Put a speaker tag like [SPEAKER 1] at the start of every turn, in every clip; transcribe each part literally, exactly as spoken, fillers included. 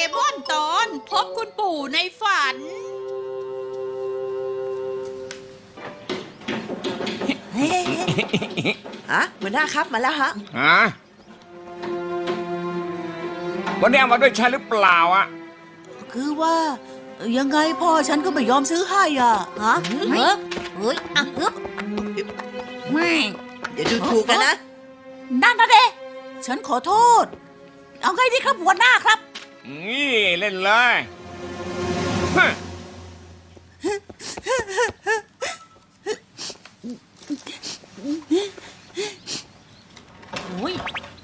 [SPEAKER 1] มอนตอนพบคุณปู่ในฝัน
[SPEAKER 2] ฮะหัวหน้าครับมาแล้วฮะ
[SPEAKER 3] ฮะวันนี้เอามาด้วยใช่หรือเปล่าอ่ะ
[SPEAKER 2] คือว่ายังไงพ่อฉันก็ไม่ยอมซื้อให้อ่ะฮะ
[SPEAKER 1] เฮ้ยเฮ้ยอ่ะฮึบไม่
[SPEAKER 2] อย่าดูถูกกันนะ
[SPEAKER 1] นั่นนะเด้ฉันขอโทษเอาไงดีครับหัวหน้าครับ
[SPEAKER 3] นี่เล่นเลยฮะ
[SPEAKER 1] โอ้ย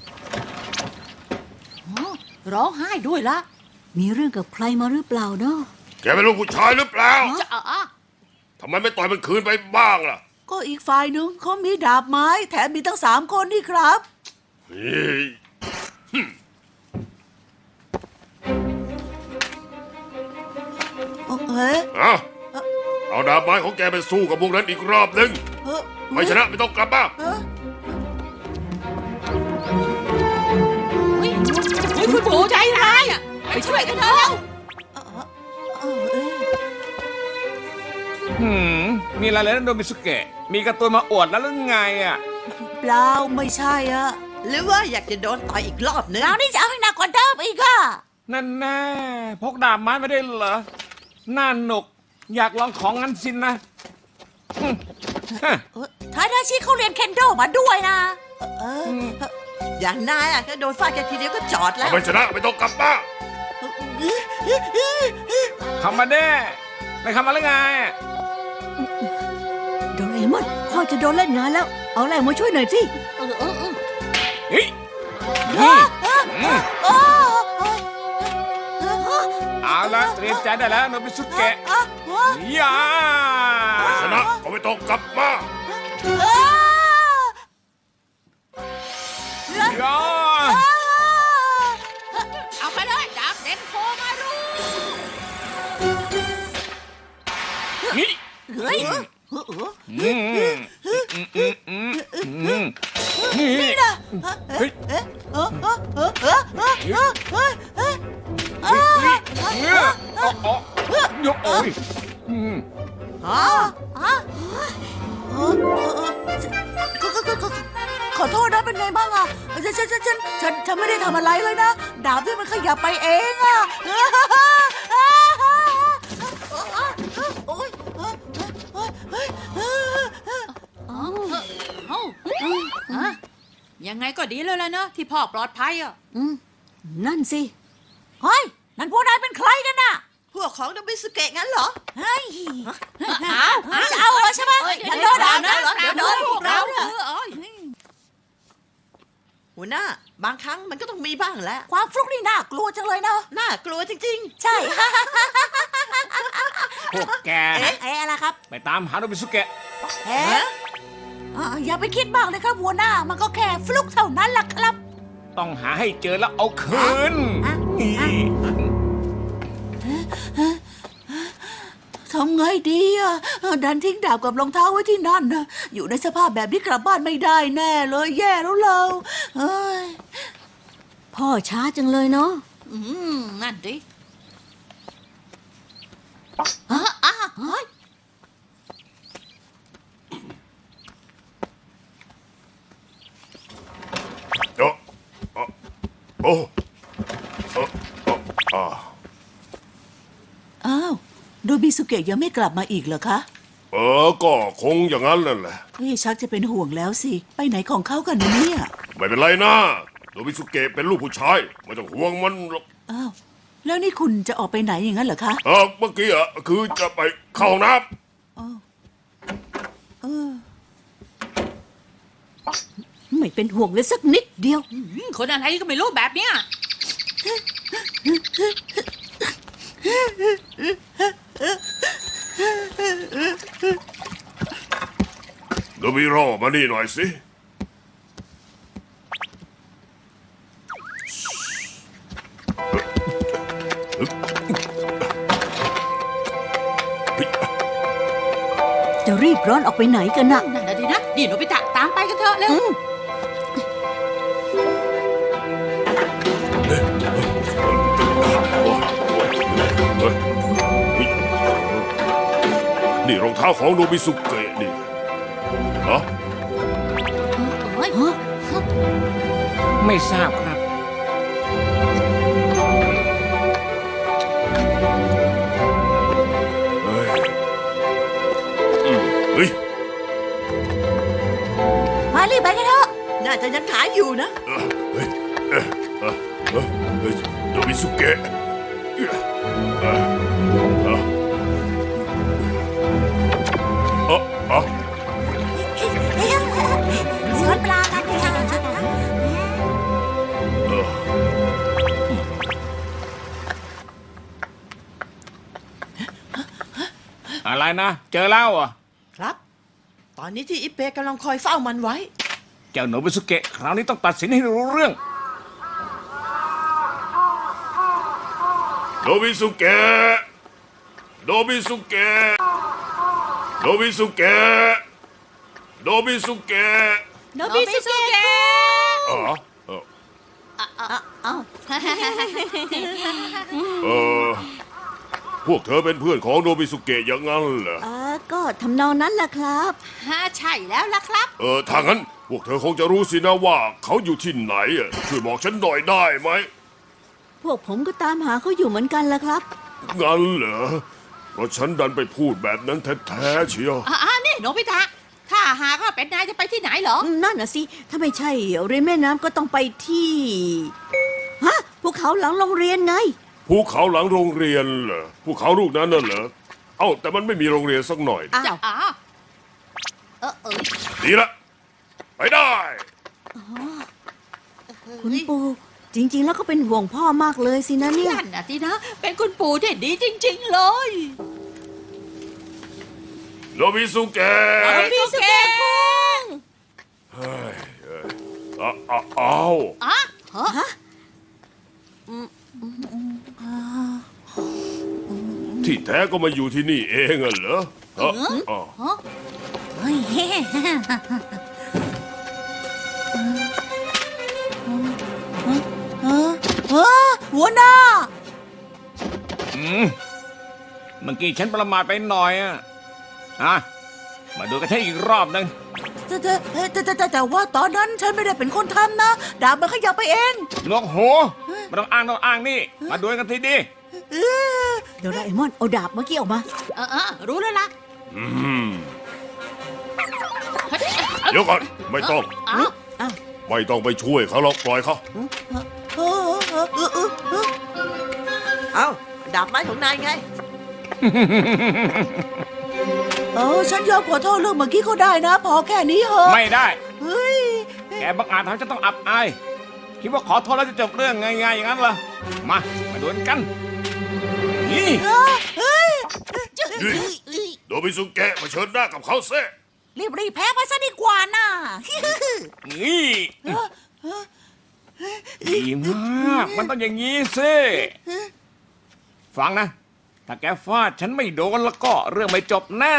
[SPEAKER 1] ร้องไห้ด้วยละ
[SPEAKER 4] มีเรื่องกับใครมาหรือเปล่าเนาะ
[SPEAKER 5] แกเป็นลูกผู้ชายหรือเปล่า
[SPEAKER 1] จะอ่ะ
[SPEAKER 5] ทำไมไม่ต่อยมันคืนไปบ้างล่ะ
[SPEAKER 2] ก็อีกฝ่ายนึงเขามีดาบไม้แถมมีตั้งสามคนนี่ครับ
[SPEAKER 5] เฮ้ย
[SPEAKER 2] เฮ้ย
[SPEAKER 5] เอาเอาดาบไม้ของแกไปสู้กับพวกนั้นอีกรอบหนึ่งไม่ชนะไม่ต้องกลับบ้าน
[SPEAKER 1] เฮ้ยคุณปู่ใจร้ายอ่ะไปช่วยกันเถอะ
[SPEAKER 3] หืมมีอะไรเลยนะโดมิสุเกะมีการ์ตูนมาอวดแล้วหรือไงอ่ะ
[SPEAKER 2] เปล่าไม่ใช่อ่ะหรือว่าอยากจะโดนต่อยอีกรอบนึง
[SPEAKER 1] เรานี่จะเอาให้หนักกว่าเดิมอีกอ่ะ
[SPEAKER 3] นั่นแน่พกดาบไม้ไม่ได้เหรอน่าหนุกอยากลองของงั้นสินะ
[SPEAKER 1] ท้ายทาชิเขาเรียนเคนโดมาด้วยนะ
[SPEAKER 2] อย่างนายอ่ะแค่โดนฟาดแค่ทีเดียวก็จอดแล้ว
[SPEAKER 5] ไม่ชนะไม่ต้องกลับบ้าน
[SPEAKER 3] ทำมาได้ไม่ทำมาแล้วไง
[SPEAKER 4] โดเรมอนพ่อจะโดนเล่นงานแล้วเอาแรงมาช่วยหน่อยสิ
[SPEAKER 1] เออเออเออ
[SPEAKER 3] เฮ้ยเอาละเตรียมใจได้แล้วโนบิสุเกะย่า
[SPEAKER 5] ไม่ชนะก็ไม่ต้องกลับมา
[SPEAKER 3] ย่า
[SPEAKER 1] เอาไปเลยดาบเด่นโคมารู
[SPEAKER 3] นี่
[SPEAKER 1] เฮ้ย
[SPEAKER 3] นี่นะเฮ้ยเฮ้ยเฮ้ยเฮ้ยยกโอ้ย
[SPEAKER 2] อ๋อขอโทษนะเป็นไงบ้างอ่ะฉันฉันฉันฉันฉันไม่ได้ทำอะไรเลยนะดาบที่มันขยับไปเองอ่ะ
[SPEAKER 1] ยังไงก็ดีเลยล่ะเนอะที่พ่อปลอดภัยอ่ะ
[SPEAKER 4] นั่นสิ
[SPEAKER 1] เฮ้ยนั่นพวกนายเป็นใครกันน่ะ
[SPEAKER 2] พวกของโนบิสุเกะงั้นเหรอ
[SPEAKER 1] เฮ้ยจะเอาเหรอใช่ไหมอย่าโดนด่านะเดี๋ยวโดนพวกเราเนี่ย
[SPEAKER 2] หัวหน้าบางครั้งมันก็ต้องมีบ้างแหละ
[SPEAKER 1] ความฟลุกนี่น่ากลัวจังเลยเนาะ
[SPEAKER 2] น่ากลัวจริง
[SPEAKER 1] ๆใช่
[SPEAKER 3] พวกแก
[SPEAKER 1] เอ๊ะอะไรครับ
[SPEAKER 3] ไปตามหาโนบิสุเกะ
[SPEAKER 1] เอ๊ะอย่าไปคิดมากเลยครับหัวหน้ามันก็แค่ฟลุกเท่านั้นล่ะครับ
[SPEAKER 3] ต้องหาให้เจอแล้วเอาคืน
[SPEAKER 2] ทำไงดีอ่ะดันทิ้งดาบกับรองเท้าไว้ที่นั่นนะอยู่ในสภาพแบบนี้กลับบ้านไม่ได้แน่เลยแย่แล้วเราเฮ้ย
[SPEAKER 4] พ่อช้าจังเลยเนาะ
[SPEAKER 1] อืมนั่นดิอ่ะอ่ะเฮ้ย
[SPEAKER 5] โอ้โอ้โอ้
[SPEAKER 2] อ้าวโดบิสุเกะยังไม่กลับมาอีกเหรอคะ
[SPEAKER 5] เออก็คงอย่างนั้นแหละ
[SPEAKER 2] เฮ้ยชักจะเป็นห่วงแล้วสิไปไหนของเขากันเนี่ย
[SPEAKER 5] ไม่เป็นไรนะโดบิสุเกะเป็นลูกผู้ชายไม่ต้องห่วงมันหรอก
[SPEAKER 2] อ้าวแล้วนี่คุณจะออกไปไหนอย่างนั้นเหรอคะ
[SPEAKER 5] เออเมื่อกี้อ่ะคือจะไปเข้าห้องน้ำ
[SPEAKER 2] อ๋อเออ
[SPEAKER 4] ไม่เป็นห่วงเลยสักนิดเดียว
[SPEAKER 1] คนอะไรก็ไม่รู้แบบเนี้ย
[SPEAKER 5] โดบิโรมานี่หน่อยสิ
[SPEAKER 4] จะรีบร้อนออกไปไหนกันน่ะ
[SPEAKER 1] นั่นน่ะดินะดิโนบิตะตามไปกันเถอะเร็ว
[SPEAKER 5] นี่รองเท้าของโนบิสุเกะนี่ฮะ
[SPEAKER 1] เฮ้ย
[SPEAKER 3] ไม่ทราบครับ
[SPEAKER 5] เฮ้ยอืมเฮ้ย
[SPEAKER 1] มารีบไปกันเถอะ
[SPEAKER 2] น่าจะยังขายอยู่นะ
[SPEAKER 5] เออเฮ้ยเออเออเออเฮ้ยโนบิสุเกะเออเออเออเออเออ
[SPEAKER 1] สวนปลากันเลยค่ะ
[SPEAKER 5] เออ
[SPEAKER 3] อะไรนะ เจอแล้วเหรอ่ะ
[SPEAKER 2] ครับ ตอนนี้ที่อิเปกำลังคอยเฝ้ามันไว้
[SPEAKER 3] เจ้าโนบิสุเกะคราวนี้ต้องตัดสินให้รู้เรื่อง
[SPEAKER 5] โนบิสุเกะโนบิสุเกะโนบิสุเกะโนบิสุเกะ
[SPEAKER 1] โนบิสุเกะ
[SPEAKER 5] อ๋อเออ
[SPEAKER 1] เอ้า
[SPEAKER 5] เออพวกเธอเป็นเพื่อนของโนบิสุเกะอย่างนั้นเหรอ
[SPEAKER 4] เออก็ทำนองนั้นแหละครับ
[SPEAKER 1] ฮ่าใช่แล้วล่ะครับ
[SPEAKER 5] เออถ้างั้นพวกเธอคงจะรู้สินะว่าเขาอยู่ที่ไหนอ่ะช่วยบอกฉันหน่อยได้ไหม
[SPEAKER 4] พวกผมก็ตามหาเขาอยู่เหมือนกันแหละครับ
[SPEAKER 5] งั้นเหรอเพราะฉันดันไปพูดแบบนั้นแท้ๆเชียว
[SPEAKER 1] อ่านี่โนบิตะถ้าหากว่าเป็นนายจะไปที่ไหนเหรอ
[SPEAKER 4] อืมนั่นน่ะสิ ถ้าไม่ใช่ริมแม่น้ำก็ต้องไปที่ ฮะภูเขาหลังโรงเรียนไง
[SPEAKER 5] ภูเขาหลังโรงเรียนเหรอภูเขาลูกนั้นน่ะเหรอเอ้าแต่มันไม่มีโรงเรียนสักหน่อย
[SPEAKER 1] อ้าวอ้าวเออเออ
[SPEAKER 5] ดีละไปได้
[SPEAKER 4] คุณปู่จริง ๆ แล้วก็เป็นห่วงพ่อมากเลยสินะเนี่ย
[SPEAKER 1] นั่นน่ะสินะ เป็นคุณปู่ที่ดีจริง ๆ เลย
[SPEAKER 5] โนบิสุเกะ
[SPEAKER 1] โนบิสุเกะคุง
[SPEAKER 5] เฮ้ยเอ้ยอ้าวอ้าวอ้าว
[SPEAKER 1] อ่ะฮะ
[SPEAKER 5] ที่แท้ก็มาอยู่ที่นี่เองอะเหรอฮะอ้าว
[SPEAKER 1] เฮ้ย
[SPEAKER 2] เออเออหัวหน้า
[SPEAKER 3] อืมเมื่อกี้ฉันประมาทไปหน่อยอ่ะอ่ะมาดูกันให้อีกรอบหนึ่ง
[SPEAKER 2] แต่แต่แต่แต่แต่แต่ว่าตอนนั้นฉันไม่ได้เป็นคนทำนะ ดาบมันขยับไปเอง
[SPEAKER 3] หนวกหูไม่ต้องอ้างต้องอ้างนี่ มาดูกันทีดี
[SPEAKER 2] เออ
[SPEAKER 4] โดราเอมอนเอาดาบเมื่อกี้ออกมา
[SPEAKER 1] เออเออรู้แล้วล่ะ
[SPEAKER 5] อืมเดี๋ยวก่อนไม่ต้อง
[SPEAKER 1] อ้าว
[SPEAKER 4] อ้าว
[SPEAKER 5] ไม่ต้องไปช่วยเขาหรอกปล่อยเขา
[SPEAKER 2] เออเออเออเออเออเอาดาบไม้ของนายไง เออฉันยอมขอโทษเรื่องเมื่อกี้ก็ได้นะ พอแค่นี้เหอะ
[SPEAKER 3] ไม่ได้
[SPEAKER 2] เฮ้ย
[SPEAKER 3] แกบังอาจทำให้ฉันต้องอับอาย คิดว่าขอโทษแล้วจะจบเรื่องง่ายๆอย่างนั้นเหรอ มา มาดูกัน นี่
[SPEAKER 2] เฮ้ย
[SPEAKER 5] นี่โนบิสุเกะมาเชิญหน้ากับเขาเซ่
[SPEAKER 1] รีบรีบๆแพ้ไปซะดีกว่าน่ะ
[SPEAKER 3] นี่ดีมาก มันต้องอย่างนี้สิฟังนะ ถ้าแกฟาดฉันไม่โดนแล้วก็เรื่องไม่จบแน่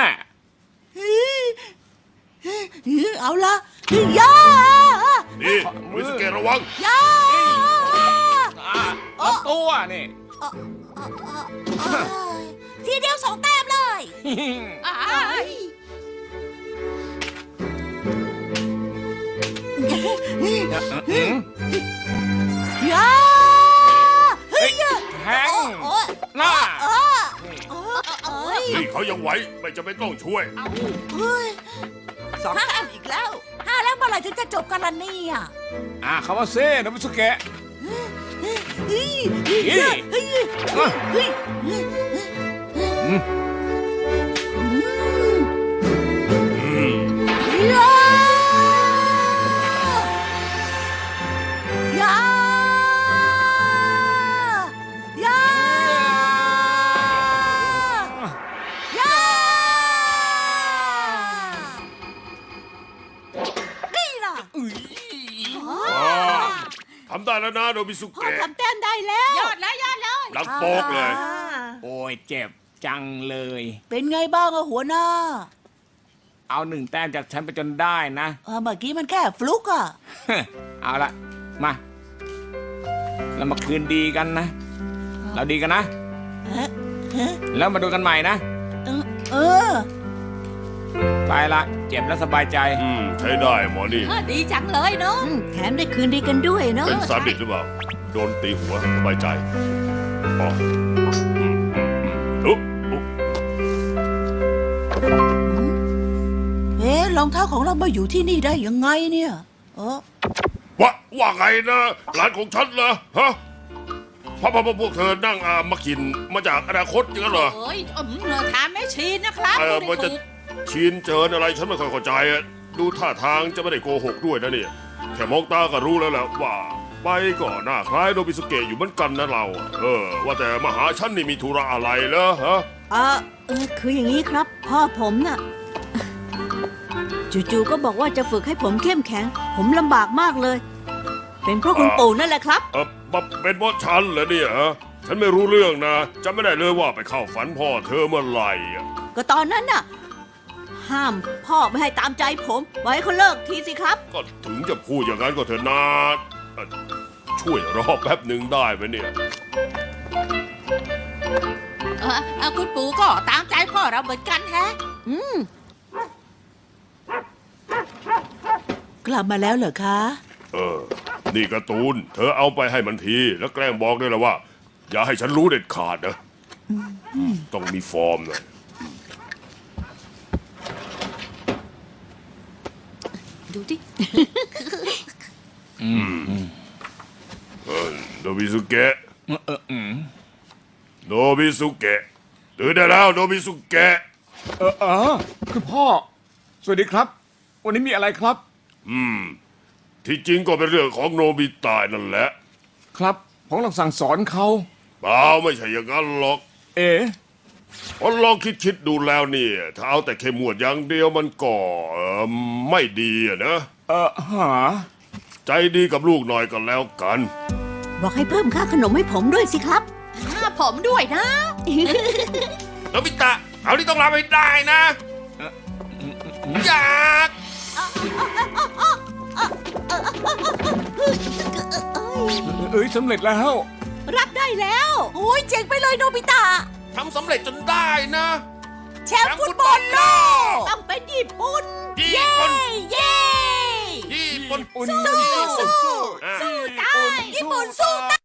[SPEAKER 2] เอาละย่า
[SPEAKER 5] นี่โนบิสุเกะระวัง
[SPEAKER 2] ย่า
[SPEAKER 3] อ่ะเอาตัวนี่
[SPEAKER 1] ทีเดียวสองแต้มเลยอ้าย
[SPEAKER 2] ย่า
[SPEAKER 3] เฮ้ยแทงหน้า
[SPEAKER 1] เอ้ย
[SPEAKER 5] นี่เขายังไหวไม่จำเป็นต้องช่วย
[SPEAKER 2] เฮ้ยสองแต้มอีกแล้ว
[SPEAKER 1] ห้าแล้วเมื่อไหร่ถึงจะจบกันล่ะเนี่ย
[SPEAKER 3] อ่ะคำว่าเซ่นะมิสุเกะ
[SPEAKER 2] เฮ้ย
[SPEAKER 3] นี่
[SPEAKER 2] เฮ้ย
[SPEAKER 3] อ่ะ
[SPEAKER 2] เฮ้ย
[SPEAKER 3] อืม
[SPEAKER 5] อืม
[SPEAKER 2] ย่าย่าย่าย่านี่ล่ะ
[SPEAKER 5] อ่าทำได้แล้วนะโนบิสุ
[SPEAKER 2] พ่อ
[SPEAKER 5] เกะ
[SPEAKER 2] ทำแต้มได้แล้ว
[SPEAKER 1] ยอดแล้วยอดเลย
[SPEAKER 5] ดังโปกเลย
[SPEAKER 3] โอ้ยเจ็บจังเลย
[SPEAKER 2] เป็นไงบ้างอะหัวหน้า
[SPEAKER 3] เอาหนึ่งแต้มจากฉันไปจนได้นะ
[SPEAKER 2] เออเมื่อกี้มันแค่ฟลุกอะ
[SPEAKER 3] เอาละมาเรามาคืนดีกันนะ เราดีกันนะ
[SPEAKER 2] เอ๊ะเอ๊ะ
[SPEAKER 3] แล้วมาดูกันใหม่นะ
[SPEAKER 2] เออเออ
[SPEAKER 3] ไปละเจ็บแล้วสบายใจ
[SPEAKER 5] อืมใช้ได้หมอนี่
[SPEAKER 1] เออดีจังเลยเนาะ
[SPEAKER 4] อืมแถมได้คืนดีกันด้วยเนาะ
[SPEAKER 5] เป็นซาดิสหรือเปล่า โดนตีหัวสบายใจอ๋ออืมอุ๊บอุ๊บ
[SPEAKER 2] เอ๊ะรองเท้าของเรามาอยู่ที่นี่ได้ยังไงเนี่ยเออ
[SPEAKER 5] ว่าว่าไงนะร้านของฉันเหรอฮะพ่อพ่อพวกเธอนั่งอามากินมาจากอนาคตอย่างนั้นเหรอ
[SPEAKER 1] เอ้ยอืมเราถามแม่ชีนะครับ
[SPEAKER 5] เออ
[SPEAKER 1] พู
[SPEAKER 5] มัน
[SPEAKER 1] ด
[SPEAKER 5] จะ
[SPEAKER 1] ให้ถูก
[SPEAKER 5] ชินเจินอะไรฉันไม่ค่อยเข้าใจอะดูท่าทางจะไม่ได้โกหกด้วยนะเนี่ยแค่มองตาก็รู้แล้วแหละว่า ไปก็หน้าคล้ายโนบิสุเกะอยู่เหมือนกันนะเราอะเออ ว่าแต่มาหาฉันนี่มีธุระอะไรเหรอฮะ
[SPEAKER 4] เออเออคืออย่างนี้ครับ พ่อผมน่ะจู่ๆก็บอกว่าจะฝึกให้ผมเข้มแข็ง ผมลำบากมากเลย เป็นเพราะคุณปู่นั่นแหละครับ
[SPEAKER 5] เออมาเป็นเพราะฉันเหรอเนี่ยฮะฉันไม่รู้เรื่องนะจำไม่ได้เลยว่าไปเข้าฝันพ่อเธอเมื่อไหร่อะ
[SPEAKER 4] ก็ตอนนั้นน่ะ ห้ามพ่อไม่ให้ตามใจผม ไว้เขาเลิกทีสิครับ
[SPEAKER 5] ก็ถึงจะพูดอย่างนั้นก็เถอะนะเอ่อช่วยรอแป๊บหนึ่งได้ไหมเนี่ย
[SPEAKER 1] เออเออคุณปู่ก็ตามใจพ่อเราเหมือนกันแฮะ
[SPEAKER 4] อืม
[SPEAKER 2] กลับมาแล้วเหรอคะ
[SPEAKER 5] เออ นี่การ์ตูน เธอเอาไปให้มันที แล้วแกล้งบอกด้วยละว่า อย่าให้ฉันรู้เด็ดขาดนะต้องมีฟอร์มหน่อย
[SPEAKER 1] ดูดิ
[SPEAKER 5] เออโนบิสุเกะ
[SPEAKER 3] เอออืม
[SPEAKER 5] โนบิสุเกะตื่นได้แล้วโนบิสุเกะ
[SPEAKER 3] เออเออคือพ่อ สวัสดีครับ วันนี้มีอะไรครับ
[SPEAKER 5] อืม ที่จริงก็เป็นเรื่องของโนบิตะนั่นแหละ
[SPEAKER 3] ครับผมกำลังสั่งสอนเขา
[SPEAKER 5] เปล่าไม่ใช่อย่างนั้นหรอก
[SPEAKER 3] เอ๋
[SPEAKER 5] พอลองคิดคิดๆดูแล้วเนี่ยถ้าเอาแต่เข้มงวดอย่างเดียวมันก็เออไม่ดีอะนะ
[SPEAKER 3] เออหา
[SPEAKER 5] ใจดีกับลูกหน่อยก็แล้วกัน
[SPEAKER 4] บอกให้เพิ่มค่าขนมให้ผมด้วยสิครับ
[SPEAKER 1] อ่าผมด้วยนะ
[SPEAKER 5] โนบิตะเอาที่ต้องรับให้ได้นะอยาก
[SPEAKER 3] เอ้ยสำเร็จแล้ว
[SPEAKER 1] รับได้แล้ว
[SPEAKER 2] โอ้ยเจ๋งไปเลยโนบิตะ
[SPEAKER 5] ทำสำเร็จจนได้นะ
[SPEAKER 1] แชมป์ฟุตบอลโลกต้องเป็นญี่ปุ่น
[SPEAKER 5] ญี่ปุ่น
[SPEAKER 1] เย้
[SPEAKER 5] ญี่ปุ่น
[SPEAKER 3] ญี่ปุ่นสู้สู้สู้
[SPEAKER 5] อ่ะ
[SPEAKER 1] สู้ได้ญี่ปุ่นสู้ได้